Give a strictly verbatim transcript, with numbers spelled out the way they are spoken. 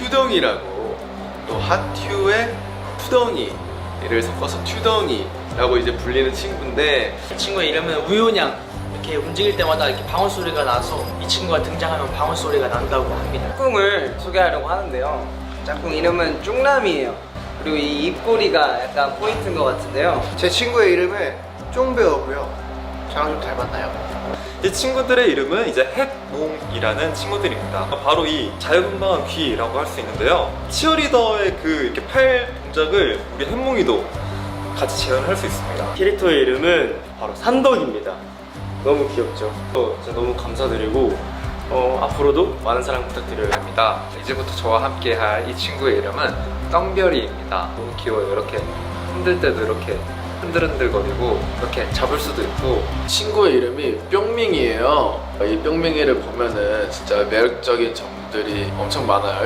튜덩이라고, 또 핫튜의 푸덩이를 섞어서 튜덩이라고 이제 불리는 친구인데, 이 친구의 이름은 우유냥. 이렇게 움직일 때마다 이렇게 방울 소리가 나서 이 친구가 등장하면 방울 소리가 난다고 합니다. 짝꿍을 소개하려고 하는데요. 짝꿍 이름은 쫑남이에요. 그리고 이 입꼬리가 약간 포인트인 것 같은데요. 제 친구의 이름은 쫑배어고요. 저랑 좀 닮았나요? 이 친구들의 이름은 이제 햇몽이라는 친구들입니다. 바로 이 자유분방한 귀라고 할 수 있는데요. 치어리더의 그 이렇게 팔 동작을 우리 햇몽이도 같이 재현을 할 수 있습니다. 캐릭터의 이름은 바로 산덕입니다. 너무 귀엽죠? 어, 진짜 너무 감사드리고 어, 앞으로도 많은 사랑 부탁드려요. 합니다. 이제부터 저와 함께 할 이 친구의 이름은 떡별이입니다. 너무 귀여워요. 이렇게 흔들 때도 이렇게 흔들흔들거리고 이렇게 잡을 수도 있고. 친구의 이름이 뿅밍이에요. 이 뿅밍이를 보면은 진짜 매력적인 점들이 엄청 많아요.